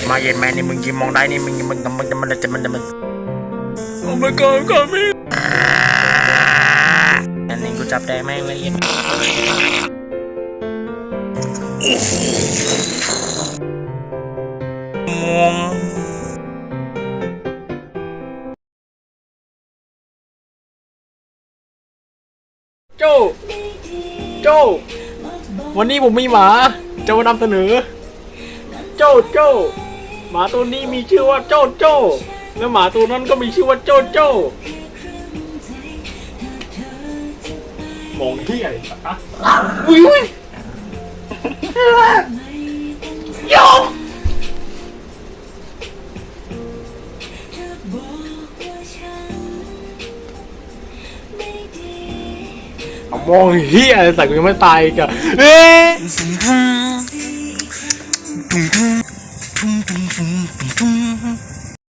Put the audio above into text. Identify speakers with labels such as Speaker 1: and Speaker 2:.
Speaker 1: มาเย็นแม่นี่มึงยิงมองได้นี่มึงจะโอ้ my god ก็มีอันนี้กูจับได้แม่งเลยมองโจวันนี้ผมมีหมาจะมานำเสนอโจหมาตัวนี้มีชื่อว่าโจแล้วหมาตัวนั้นก็มีชื่อว่าโจมองที่อะไรสักอะอุ้ยโยมองเฮียอะไรสักกูยังไม่ตายกันเฮ้ย